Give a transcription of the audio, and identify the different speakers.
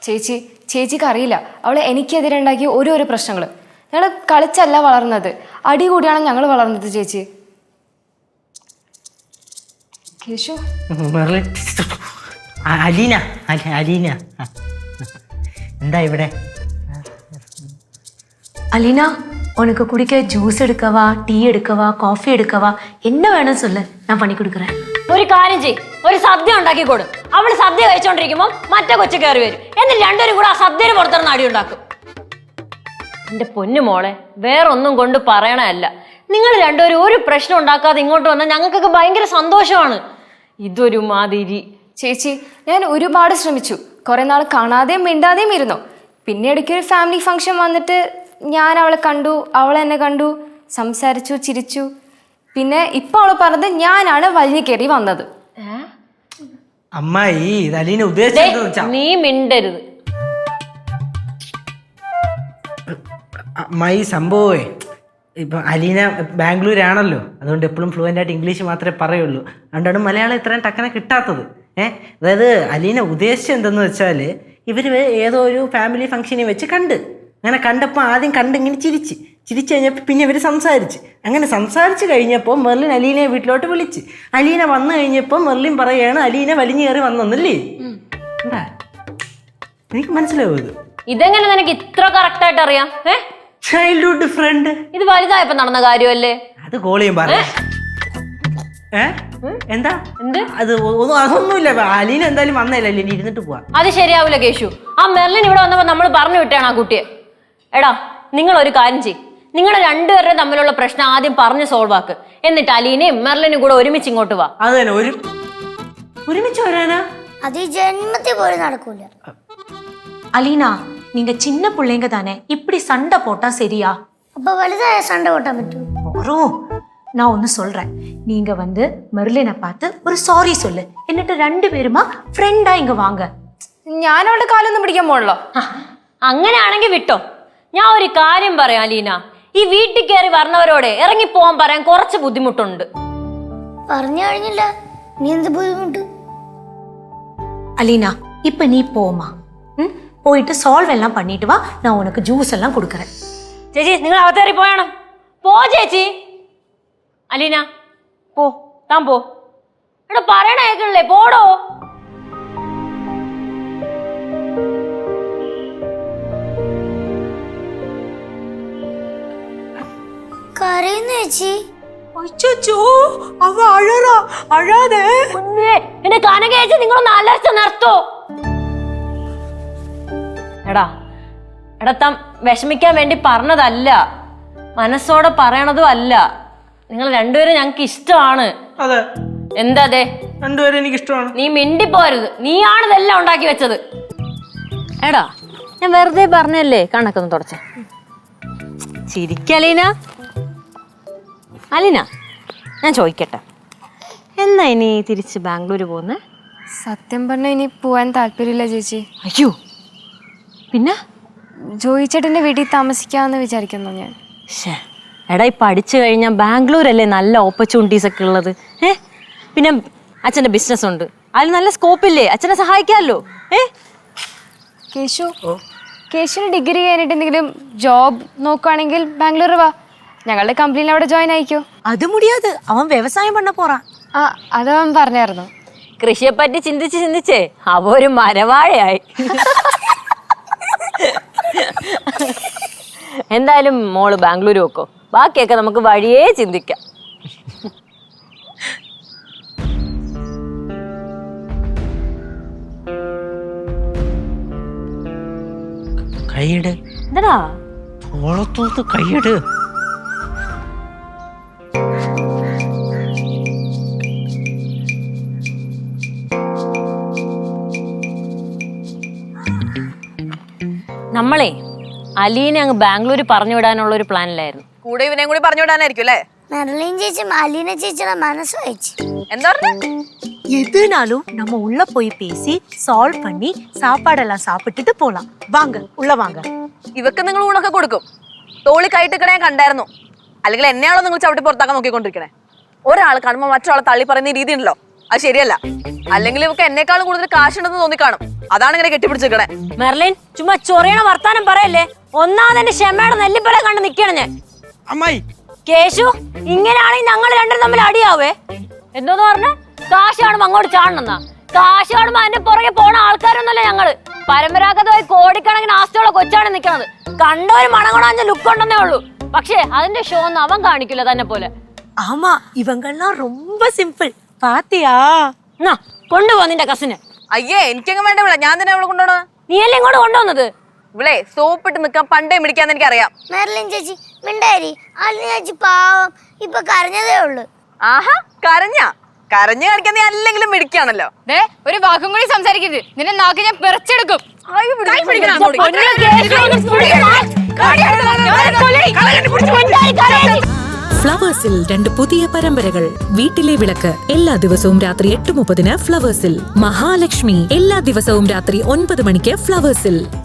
Speaker 1: ചേച്ചിക്ക് അറിയില്ല അവൾ എനിക്കെതിരെ ഉണ്ടാക്കിയ ഓരോരോ പ്രശ്നങ്ങൾ. ഞങ്ങൾ കളിച്ചല്ല വളർന്നത്, അടി കൂടിയാണ് ഞങ്ങൾ വളർന്നത് ചേച്ചി. കേശു
Speaker 2: അലീന അലീന എന്താ ഇവിടെ?
Speaker 3: அலினா உனக்கு குடிக்க ஜூஸ் எடுக்கவா, டீ எடுக்கவா, காஃபி எடுக்கவா, என்ன வேணும் சொல்லு, நான் பண்ணி கொடுக்குறேன்.
Speaker 4: ഒരു കാര്യം ചെയ്, ഒരു സദ്യ ഉണ്ടാക്കി കൊടു. അവള് സദ്യ കഴിച്ചോണ്ടിരിക്കുമ്പോ മറ്റേ കൊച്ചു കയറി വരും. എന്നിട്ട് രണ്ടുപേരും കൂടെ ആ സദ്യയുടെ പുറത്തിറന്ന് അടി ഉണ്ടാക്കും. എന്റെ പൊന്നു മോളെ, വേറൊന്നും കൊണ്ട് പറയണല്ല. നിങ്ങൾ രണ്ടുപേരും ഒരു പ്രശ്നം ഉണ്ടാക്കാതെ ഇങ്ങോട്ട് വന്നാൽ ഞങ്ങൾക്കൊക്കെ ഭയങ്കര സന്തോഷമാണ്. ഇതൊരു മാതിരി.
Speaker 1: ചേച്ചി ഞാൻ ഒരുപാട് ശ്രമിച്ചു, കുറെ നാൾ കാണാതെയും മിണ്ടാതെയും ഇരുന്നു. പിന്നെ ഇടയ്ക്കൊരു ഫാമിലി ഫംഗ്ഷൻ വന്നിട്ട് ഞാൻ അവളെ കണ്ടു, അവൾ എന്നെ കണ്ടു, സംസാരിച്ചു, ചിരിച്ചു. പിന്നെ ഇപ്പൊ അവള് പറഞ്ഞത് ഞാനാണ് വലിഞ്ഞു കയറി വന്നത്.
Speaker 2: അമ്മായി അലീന ഉദ്ദേശിച്ചത്
Speaker 4: നീ മിണ്ടരുത്.
Speaker 2: അമ്മായി സംഭവേ ഇപ്പൊ അലീന ബാംഗ്ലൂരാണല്ലോ, അതുകൊണ്ട് എപ്പോഴും ഫ്ലുവൻ്റ് ആയിട്ട് ഇംഗ്ലീഷ് മാത്രമേ പറയുള്ളൂ. അതുകൊണ്ടാണ് മലയാളം ഇത്രയും ടക്കനെ കിട്ടാത്തത്. അതായത് അലീന ഉദ്ദേശിച്ചത് എന്തെന്ന് വെച്ചാൽ ഇവർ ഏതോ ഒരു ഫാമിലി ഫംഗ്ഷനിൽ വെച്ച് കണ്ട്, അങ്ങനെ കണ്ടപ്പോൾ ആദ്യം കണ്ടിങ്ങനെ ചിരിച്ച് കഴിഞ്ഞപ്പോൾ പിന്നെ ഇവർ അങ്ങനെ സംസാരിച്ച് കഴിഞ്ഞപ്പോൾ മെർലിൻ അലീനയെ വീട്ടിലോട്ട് വിളിച്ച്. അലീന വന്നു കഴിഞ്ഞപ്പോൾ മെർലിൻ പറയുകയാണ് അലീന വലിഞ്ഞു കയറി വന്നല്ലേ. എന്താ എനിക്ക് മനസ്സിലാവും ഇത്.
Speaker 4: ഇതെങ്ങനെ നിനക്ക് ഇത്ര കറക്റ്റ് ആയിട്ട് അറിയാം?
Speaker 2: Childhood friend.
Speaker 4: ഇത് വലുതായപ്പോ നടന്ന കാര്യമല്ലേ?
Speaker 2: അത് കോളിയും പറയാം. എന്താ അത്? അതൊന്നുമില്ല, അലീന എന്തായാലും വന്നല്ലേ, അലീന ഇരുന്നിട്ട് പോവാ.
Speaker 4: അത് ശരിയാവൂല കേശു. ആ മെർലിൻ ഇവിടെ വന്നപ്പോ നമ്മൾ പറഞ്ഞു വിട്ടാണ് ആ കുട്ടിയെ. എടാ നിങ്ങൾ ഒരു കാര്യം ചെയ്യും, നിങ്ങൾ രണ്ടുപേരുടെ തമ്മിലുള്ള പ്രശ്നം ആദ്യം പറഞ്ഞ് സോൾവ് ആക്ക്. എന്നിട്ട് അലീനയും മെർലിനും കൂടെ ഒരുമിച്ച് ഇങ്ങോട്ട് വാ.
Speaker 2: അത് തന്നെ, ഒരുമിച്ച് വരാനാ?
Speaker 5: അത് ഈ ജന്മത്തിൽ പോലും നടക്കൂല.
Speaker 3: அலினா நீங்க சின்ன பிள்ளைங்க தானே, இப்படி சண்டை போட்டா சரியா?
Speaker 5: അപ്പൊ വലുതായ സണ്ട കൂട്ടാൻ പറ്റും?
Speaker 3: வரும். நான் ஒன்று சொல்றேன், நீங்க வந்து மெர்லினை பார்த்து ஒரு சாரி சொல்லு, എന്നിട്ട് രണ്ടുപേരുമാ ഫ്രണ്ടാ ഇങ്ങ വാങ്ങ.
Speaker 1: ഞാൻ അവളുടെ കാലൊന്നും പിടിക്കാൻ പോണല്ലോ.
Speaker 4: അങ്ങനെയാണെങ്കിൽ വിട്ടോ. ഞാൻ ഒരു കാര്യം പറയാം അലീന, ഈ വീട്ടിൽ കയറി വരണവരോടെ ഇറങ്ങി പോവാൻ പറയാൻ കുറച്ച് ബുദ്ധിമുട്ടുണ്ട്.
Speaker 5: പറഞ്ഞു കഴിഞ്ഞില്ല, നീ എന്ത് ബുദ്ധിമുട്ട്?
Speaker 3: அலினா இப்ப நீ போமா, போயிட்டு சால்வ் எல்லாம் பண்ணிட்டு வா, நான் உனக்கு ஜூஸ் எல்லாம் கொடுக்கறேன்.
Speaker 4: ചേച്ചി നിങ്ങൾ അകത്തേറി പോയണം. പോ ചേച്ചി. അലീന പോ, താൻ പോ. എടാ പറയണ കേൾക്കണില്ലേ, പോടോ.
Speaker 5: കരയുന്നു ചേച്ചി.
Speaker 3: അച്ചോ അവ അഴറാ, അഴാതെ.
Speaker 4: എന്റെ കനകേച്ചി നിങ്ങളൊന്ന് അലർച്ച നിർത്തോ. എടാ താൻ വിഷമിക്കാൻ വേണ്ടി പറഞ്ഞതല്ല, മനസ്സോടെ പറയണതും അല്ല. നിങ്ങൾ രണ്ടുപേരും ഞങ്ങൾക്ക് ഇഷ്ടമാണ്.
Speaker 2: അതെ.
Speaker 4: എന്താ അതെ?
Speaker 2: രണ്ടുപേരും എനിക്ക് ഇഷ്ടമാണ്.
Speaker 4: നീ മിണ്ടിപ്പോരുത്, നീയാണ് ഇതെല്ലാം ഉണ്ടാക്കി വെച്ചത്. എടാ ഞാൻ വെറുതെ പറഞ്ഞല്ലേ, കണക്കൊന്ന് തുടച്ച. ചിരിക്കലീന. അലീന ഞാൻ ചോദിക്കട്ടെ, എന്നാ ഇനി തിരിച്ച് ബാംഗ്ലൂർ പോകുന്നേ?
Speaker 1: സത്യം പറഞ്ഞാൽ ഇനി പോവാൻ താല്പര്യമില്ല ചേച്ചി.
Speaker 4: അയ്യോ, പിന്നെ
Speaker 1: ജോയിച്ചേട്ടൻ്റെ വീട്ടിൽ താമസിക്കാമെന്ന് വിചാരിക്കുന്നു ഞാൻ.
Speaker 4: എടാ ഈ പഠിച്ചു കഴിഞ്ഞാൽ ബാംഗ്ലൂരല്ലേ നല്ല ഓപ്പർച്യൂണിറ്റീസ് ഒക്കെ ഉള്ളത്. പിന്നെ അച്ഛൻ്റെ ബിസിനസ് ഉണ്ട്, അതിൽ നല്ല സ്കോപ്പില്ലേ, അച്ഛനെ സഹായിക്കാമല്ലോ.
Speaker 1: കേശുവിന് ഡിഗ്രി കഴിഞ്ഞിട്ട് എന്തെങ്കിലും ജോബ് നോക്കുകയാണെങ്കിൽ ബാംഗ്ലൂർ വാ, ഞങ്ങളുടെ കമ്പനിയിൽ അവിടെ ജോയിൻ ആയിക്കോ.
Speaker 3: അത് മുടിയാത്, അവൻ വ്യവസായം പണ്ണ പോറാൻ.
Speaker 1: അതവൻ പറഞ്ഞായിരുന്നു.
Speaker 4: കൃഷിയെ പറ്റി ചിന്തിച്ചേ അവ ഒരു മരവാഴയായി. എന്തായാലും മോള് ബാംഗ്ലൂർ വെക്കോ, ബാക്കിയൊക്കെ നമുക്ക് വഴിയേ ചിന്തിക്കാം.
Speaker 2: കൈയിട്.
Speaker 4: എന്താടാ
Speaker 2: ഓളത്തോത്ത് കൈയിട്.
Speaker 4: നമ്മളെ അലീനെ അങ്ങ് ബാംഗ്ലൂർ പറഞ്ഞു വിടാനുള്ള ഒരു പ്ലാനിലായിരുന്നു.
Speaker 6: കൂടെ ഇവനെയും കൂടി പറഞ്ഞു വിടാനായിരിക്കും അല്ലേ?
Speaker 5: മെർലിൻ ചേച്ചി അലീന ചേച്ചിയുടെ മനസ്സ് വായിച്ചു.
Speaker 6: എന്താ പറഞ്ഞ?
Speaker 3: எதுனாலும் நம்ம உள்ள போய் பேசி சால்வ் பண்ணி சாப்பாடெல்லாம் சாப்பிட்டுட்டு போலாம். வாங்க உள்ள வாங்க.
Speaker 6: ഇവക്ക് നിങ്ങൾ ഊണൊക്കെ കൊടുക്കും, തോളി കൈട്ടിക്കണേ കണ്ടായിരുന്നു. അല്ലെങ്കിൽ എന്നെയാണോ നിങ്ങൾ ചവിട്ടി പുറത്താക്കാൻ നോക്കിക്കൊണ്ടിരിക്കണേ? ഒരാൾ കാണുമ്പോൾ മറ്റൊരാളെ തള്ളി പറയുന്ന രീതി ഉണ്ടല്ലോ, അത് ശരിയല്ല. അല്ലെങ്കിൽ ഇവക്ക് എന്നെക്കാളും കൂടുതൽ കാശുണ്ടെന്ന് തോന്നിക്കാണും. അതാണ് ഇങ്ങനെ കെട്ടിപ്പിടിച്ചിരിക്കണേ.
Speaker 4: മെർലിൻ ചുമ്മാ ചൊറിയണ വർത്താനം പറയല്ലേ. ഒന്നാമതെന്റെ ക്ഷമയുടെ നെല്ലിപ്പല കണ്ട് നിക്കണം ഞാൻ.
Speaker 2: അമ്മായി
Speaker 4: കേശു, ഇങ്ങനെയാണെങ്കിൽ ഞങ്ങൾ രണ്ടും തമ്മിൽ അടിയാവേ. എന്തോന്ന് പറഞ്ഞ കാശ് കാണുമ്പോ അങ്ങോട്ട് ചാടണമെന്നാ? കാശ് കാണുമ്പോ അതിന്റെ പുറകെ പോണ ആൾക്കാരൊന്നുമല്ല ഞങ്ങള്. പരമ്പരാഗതമായി കോടിക്കണക്കിന് ആസ്തിയുള്ള കൊച്ചാണ് നിക്കണത്. കണ്ട ഒരു മണങ്ങണാഞ്ച ലുക്ക് ഉണ്ടെന്നേ ഉള്ളൂ. പക്ഷേ അതിന്റെ ഷോ ഒന്നും അവൻ കാണിക്കില്ല തന്നെ പോലെ.
Speaker 3: ஆமா இவங்கெல்லாம் ரொம்ப சிம்பிள் பாத்தியா?
Speaker 4: എന്നാ കൊണ്ടുപോ നിന്റെ കസിന്.
Speaker 6: അയ്യേ, എനിക്കങ്ങ് വേണ്ട ഇവിടെ. ഞാൻ തന്നെ അവളെ കൊണ്ടുപോണ.
Speaker 4: നീയല്ലേ ഇങ്ങോട്ട് കൊണ്ടുവന്നത്?
Speaker 6: ഇവളെ സോപ്പിട്ട് നിക്കാൻ പണ്ടേ മിടിക്കാന്ന് എനിക്കറിയാം.
Speaker 5: മെർലിൻ ചേച്ചി മിണ്ടാരി. അലിന ചേച്ചി പാവം ഇപ്പൊ കരഞ്ഞതേ ഉള്ളു.
Speaker 6: ആഹാ, കരഞ്ഞു കാണിക്കാൻ നീ അല്ലെങ്കിലും മിടിക്കാണല്ലോ.
Speaker 1: ഒരു വാക്കും കൂടി സംസാരിക്കരുത്. നിന്റെ നാക്ക് ഞാൻ പിറച്ചെടുക്കും.
Speaker 7: ഫ്ലവേഴ്സിൽ 2 പുതിയ പരമ്പരകൾ. വീട്ടിലെ വിളക്ക് എല്ലാ ദിവസവും രാത്രി 8:30 ഫ്ലവേഴ്സിൽ. മഹാലക്ഷ്മി എല്ലാ ദിവസവും രാത്രി 9 മണിക്ക് ഫ്ലവേഴ്സിൽ.